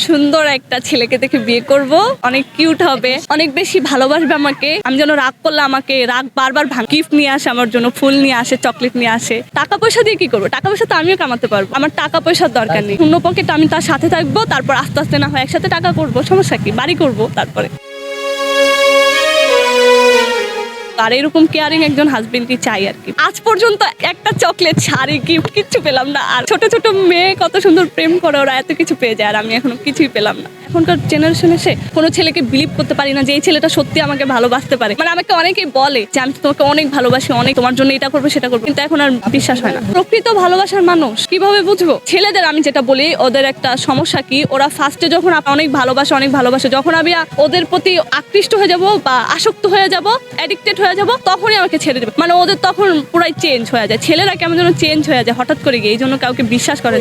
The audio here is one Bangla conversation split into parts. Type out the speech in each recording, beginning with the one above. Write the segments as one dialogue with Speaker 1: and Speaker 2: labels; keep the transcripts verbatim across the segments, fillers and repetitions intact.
Speaker 1: সুন্দর একটা ছেলেকে দেখে বিয়ে করব, অনেক কিউট হবে, অনেক বেশি ভালোবাসবে আমাকে। আমি যেন রাগ করলে আমাকে রাগ বারবার ভাঙ, গিফট নিয়ে আসে আমার জন্য, ফুল নিয়ে আসে, চকলেট নিয়ে আসে। টাকা পয়সা দিয়ে কি করবো? টাকা পয়সা তো আমিও কামাতে পারবো, আমার টাকা পয়সার দরকার নেই। শূন্য পকেট আমি তার সাথে থাকবো, তারপর আস্তে আস্তে না হয় একসাথে টাকা করবো, সমস্যা কি, বাড়ি করবো তারপরে। আর এরকম কেয়ারিং একজন হাজবেন্ডই চাই আর কি। আজ পর্যন্ত একটা চকলেট, শাড়ি, গিফট কিচ্ছু পেলাম না। আর ছোট ছোট মেয়ে কত সুন্দর প্রেম করে, ওরা এত কিছু পেয়ে যায় আর আমি এখনো কিছুই পেলাম না। এখনকার জেনারেশন এসে কোনো ছেলেকে বিলিভ করতে পারি না যে এই ছেলেটা সত্যি আমাকে ভালোবাসতে পারে। মানে আমাকে অনেকেই বলে যে আমি তোমাকে অনেক ভালোবাসি, অনেক তোমার জন্য এটা করবো সেটা করবো, কিন্তু এখন আর বিশ্বাস হয় না। প্রকৃত ভালোবাসার মানুষ কিভাবে বুঝবো? ছেলেদের আমি যেটা বলি, ওদের একটা সমস্যা কি, ওরা ফার্স্টে যখন অনেক ভালোবাসে অনেক ভালোবাসে যখন আমি ওদের প্রতি আকৃষ্ট হয়ে যাব বা আসক্ত হয়ে যাব, অ্যাডিক্টেড হয়ে যাব, তখনই আমাকে ছেড়ে দেবে। মানে ওদের তখন পুরাই চেঞ্জ হয়ে যায়। ছেলেরা কেমন যেন চেঞ্জ হয়ে যায় হঠাৎ করে গিয়ে, এই জন্য কাউকে বিশ্বাস করেন।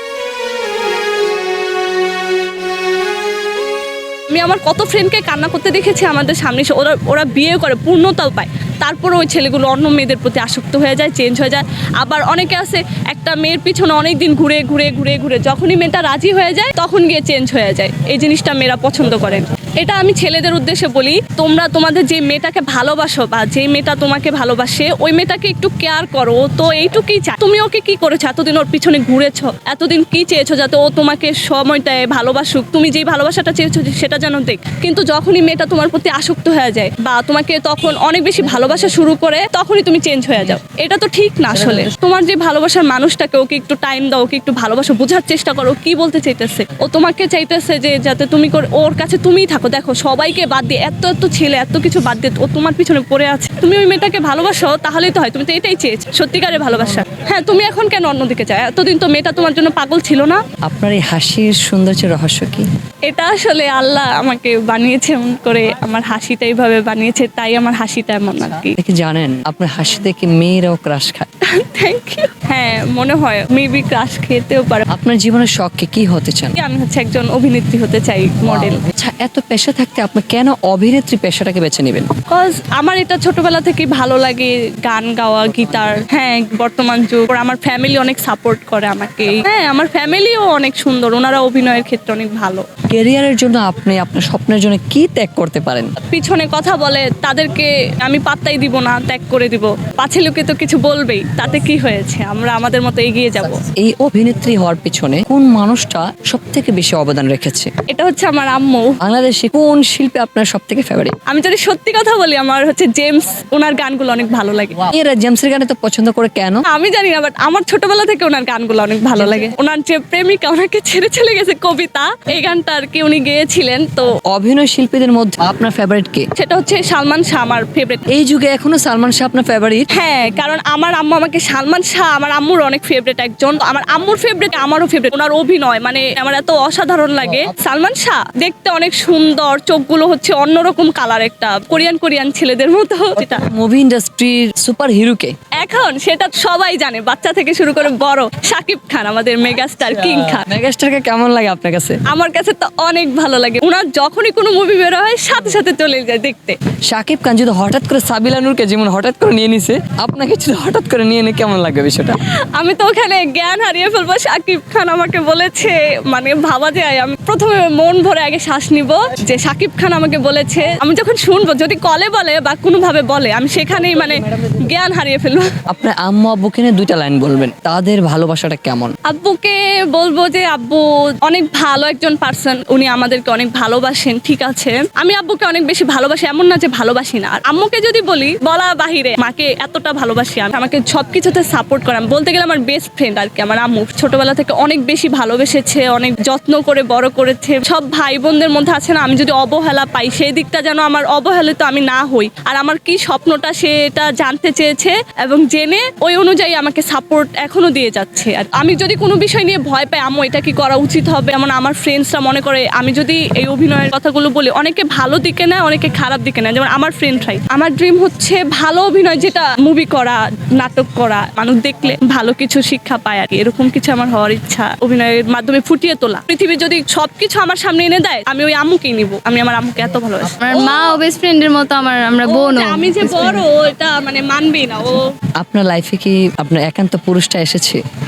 Speaker 1: আমি আমার কত ফ্রেন্ডকে কান্না করতে দেখেছি আমাদের সামনে, ওরা ওরা বিয়ে করে পূর্ণতাও পায়, তারপরে ওই ছেলেগুলো অন্য মেয়েদের প্রতি আসক্ত হয়ে যায়, চেঞ্জ হয়ে যায়। আবার অনেকে আছে একটা মেয়ের পিছনে অনেক দিন ঘুরে ঘুরে ঘুরে ঘুরে যখনই মেয়েটা রাজি হয়ে যায় তখন গিয়ে চেঞ্জ হয়ে যায়। এই জিনিসটা মেয়েরা পছন্দ করেন। এটা আমি ছেলেদের উদ্দেশ্যে বলি, তোমরা তোমাদের যে মেয়েটাকে ভালোবাসো বা যে মেয়েটা তোমাকে ভালোবাসে ওই মেয়েটাকে একটু কেয়ার করো। তো এইটুকুই চাই। তুমি ওকে কি করেছো? এতদিন ওর পিছনে ঘুরেছো, এতদিন কি চেয়েছো যাতে ও তোমাকে সময় দেয়, ভালোবাসুক, তুমি যেই ভালোবাসাটা চেয়েছো সেটা যেন দেখ। কিন্তু যখনই মেয়েটা তোমার প্রতি আসক্ত হয়ে যায় বা তোমাকে তখন অনেক বেশি ভালোবাসা শুরু করে, তখনই তুমি চেঞ্জ হয়ে যাও। এটা তো ঠিক না। আসলে তোমার যে ভালোবাসার মানুষটাকে, ওকে একটু টাইম দাও, ওকে একটু ভালোবাসো, বোঝার চেষ্টা করো কি বলতে চাইতেছে। ও তোমাকে চাইতেছে যে যাতে তুমি ওর কাছে তুমিই থাকো। দেখো সবাইকে বাদ দিয়ে, এত এত ছেলে এত কিছু বাদ দিয়ে ও তোমার পিছনে পড়ে আছে। তুমি ওই মেয়েটাকে ভালোবাসো তাহলেই তো হয়। তুমি তো এটাই চেয়েছো, সত্যিকারের ভালোবাসা। হ্যাঁ, তুমি এখন কেন অন্যদিকে চাও? এতদিন তো মেয়েটা তোমার জন্য পাগল ছিল না?
Speaker 2: আপনার এই হাসির সৌন্দর্যের রহস্য কি?
Speaker 1: এটা আসলে আল্লাহ আমাকে বানিয়েছে এমন করে, আমার হাসিটা এইভাবে বানিয়েছে, তাই আমার হাসিটা এমন আর কি।
Speaker 2: কি জানেন আপনার হাসি দেখে মেয়েরাও ক্রাশ খায়?
Speaker 1: Thank you. হ্যাঁ, মনে হয় মেবি ক্রাশ খেতেও পারে।
Speaker 2: আপনার জীবনের শখকে কি হতে চান?
Speaker 1: আমি হচ্ছে একজন অভিনেত্রী হতে চাই, মডেল।
Speaker 2: আচ্ছা, এত পেশা থাকতে আপনি কেন অভিনেত্রী পেশাটাকে বেছে নেবেন?
Speaker 1: বিকজ আমার এটা ছোটবেলা থেকেই ভালো লাগে, গান গাওয়া, গিটার। হ্যাঁ, বর্তমান যুগ আমার ফ্যামিলি অনেক সাপোর্ট করে আমাকে। হ্যাঁ, আমার ফ্যামিলিও অনেক সুন্দর, ওনারা অভিনয়ের ক্ষেত্রে অনেক ভালো।
Speaker 2: ক্যারিয়ারের জন্য আপনি আপনার স্বপ্নের জন্য কি ত্যাগ করতে পারেন?
Speaker 1: পিছনে কথা বলে তাদেরকে আমি পাত্তাই দিব না, ত্যাগ করে দিব। পাছে লোকে তো কিছু বলবেই, তাতে কি হয়েছে, আমরা আমাদের মতো এগিয়ে যাব।
Speaker 2: এই অভিনেত্রী হওয়ার পিছনে কোন মানুষটা সব থেকে বেশি অবদান রেখেছে?
Speaker 1: এটা হচ্ছে আমার আম্মু।
Speaker 2: বাংলাদেশে কোন শিল্পী আপনার সব থেকে ফেভারিট?
Speaker 1: আমি যদি সত্যি কথা বলি, আমার হচ্ছে জেমস, ওনার গানগুলো অনেক ভালো লাগে।
Speaker 2: এরা জেমসের গানে তো পছন্দ করে কেন
Speaker 1: আমি জানি না, বাট আমার ছোটবেলা থেকে ওনার গানগুলো অনেক ভালো লাগে। ওনার যে প্রেমিকা ওনাকে ছেড়ে চলে গেছে, কবিতা, এই গানটা আর কি উনি গেয়েছিলেন। তো
Speaker 2: অভিনয় শিল্পীদের মধ্যে আপনার ফেভারিট কে?
Speaker 1: সেটা হচ্ছে সালমান শাহ, আমার ফেভারিট।
Speaker 2: এই যুগে এখনো সালমান শাহ আপনার ফেভারিট?
Speaker 1: হ্যাঁ, কারণ আমার আম্মু আমাকে সালমান শাহ আমার আম্মুর অনেক ফেভারিট একজন। আমার আম্মুর ফেভারিট, আমারও ফেভারিট। ওনার অভিনয় মানে আমার এত অসাধারণ লাগে। সালমান শাহ দেখতে অনেক সুন্দর, চোখগুলো হচ্ছে অন্যরকম কালার, একটা কোরিয়ান কোরিয়ান ছেলেদের মতো। যেটা
Speaker 2: মুভি ইন্ডাস্ট্রির সুপার হিরো কে
Speaker 1: এখন সেটা সবাই জানে, বাচ্চা থেকে শুরু করে বড়। শাকিব খান, আমাদের মেগাস্টার, কিং খান।
Speaker 2: মেগাস্টারকে কেমন লাগে আপনার কাছে?
Speaker 1: আমার কাছে তো অনেক ভালো লাগে। ওনার যখনই কোনো মুভি বের হয় সাথে সাথে চলে যায় দেখতে।
Speaker 2: শাকিব খান যদি হঠাৎ করে সাবিলা নূরকে যেমন হঠাৎ করে নিয়ে নিছে, আপনাকে যদি হঠাৎ করে নিয়ে নে কেমন লাগবে বিষয়টা?
Speaker 1: আমি তো ওখানে জ্ঞান হারিয়ে ফেলবো। শাকিব খান আমাকে বলেছে, মানে ভাবা যায়, আমি প্রথমে মন ভরে আগে শ্বাস নিব যে শাকিব খান আমাকে বলেছে। আমি যখন শুনবো, যদি কলে বলে বা কোনোভাবে বলে, আমি সেখানেই মানে জ্ঞান হারিয়ে ফেলবো।
Speaker 2: আপনার আম্মু আব্বুকে নিয়ে দুইটা লাইন বলবেন, তাদের ভালোবাসাটা কেমন?
Speaker 1: আব্বুকে বলবো যে আব্বু অনেক ভালো একজন পার্সন, উনি আমাদেরকে অনেক ভালোবাসেন। ঠিক আছে, আমি আব্বুকে অনেক বেশি ভালোবাসি, এমন না যে ভালোবাসি না। আর আম্মুকে যদি বলি, বলা বাহিরে, মাকে এতটা ভালোবাসি আমি, আমাকে সবকিছুতে সাপোর্ট করে। বলতে গেলে আমার বেস্ট ফ্রেন্ড আর কি। আমার আম্মু ছোটবেলা থেকে অনেক বেশি ভালোবেসেছে, অনেক যত্ন করে বড় করেছে। সব ভাই বোনদের মধ্যে আছে না, আমি যদি অবহেলা পাই সেই দিকটা যেন আমার অবহেলিত আমি না হই। আর আমার কি স্বপ্নটা সেটা জানতে চেয়েছে এবং জেনে ওই অনুযায়ী আমাকে সাপোর্ট এখনো দিয়ে যাচ্ছে। আর আমি যদি কোনো বিষয় নিয়ে ভয় পাই, আম্মু এটা কি করা উচিত হবে, এমন আমার ফ্রেন্ডসরা মনে করে আমি যদি এই অভিনয়ের কথাগুলো বলি, অনেকে ভালো দিকে নেয়, অনেকে খারাপ দিকে নেয়। যেমন আমার ফ্রেন্ডরাই, আমার ড্রিম হচ্ছে ভালো অভিনয়, যেটা মুভি করা, নাটক করা, মানুষ দেখলে ভালো কিছু শিক্ষা পায় আর কি। এরকম কিছু আমার হওয়ার ইচ্ছা, অভিনয়ের মাধ্যমে ফুটিয়ে তোলা। পৃথিবী যদি সবকিছু আমার সামনে এনে দেয়, আমি ওই আম্মুকেই নিব। আমি আমার আম্মুকে এত ভালোবাসি।
Speaker 3: আমার মা ও বেস্ট ফ্রেন্ডের মতো, আমার আমরা বোন।
Speaker 1: আমি যে বড়, এটা মানে মানবেই না ও।
Speaker 2: আপনার লাইফে কি আপনার একান্ত পুরুষটা এসেছে?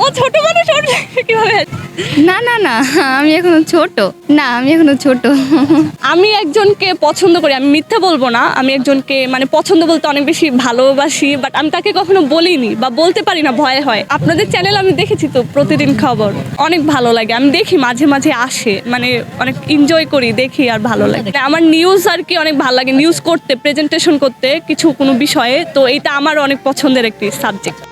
Speaker 1: ছোট মানুষ ওর কিভাবে?
Speaker 3: না না না আমি এখনো ছোট না আমি এখনো ছোট
Speaker 1: আমি একজনকে পছন্দ করি, আমি মিথ্যা বলবো না, আমি একজনকে মানে পছন্দ বলতে অনেক বেশি ভালোবাসি, বাট আমি তাকে কখনো বলিনি বা বলতে পারি না, ভয় হয়। আপনাদের চ্যানেল আমি দেখেছি তো প্রতিদিন খবর, অনেক ভালো লাগে, আমি দেখি মাঝে মাঝে আসে, মানে অনেক এনজয় করি, দেখি আর ভালো লাগে। আমার নিউজ আর কি অনেক ভালো লাগে, নিউজ করতে, প্রেজেন্টেশন করতে কিছু কোনো বিষয়ে, তো এটা আমার অনেক পছন্দের একটি সাবজেক্ট।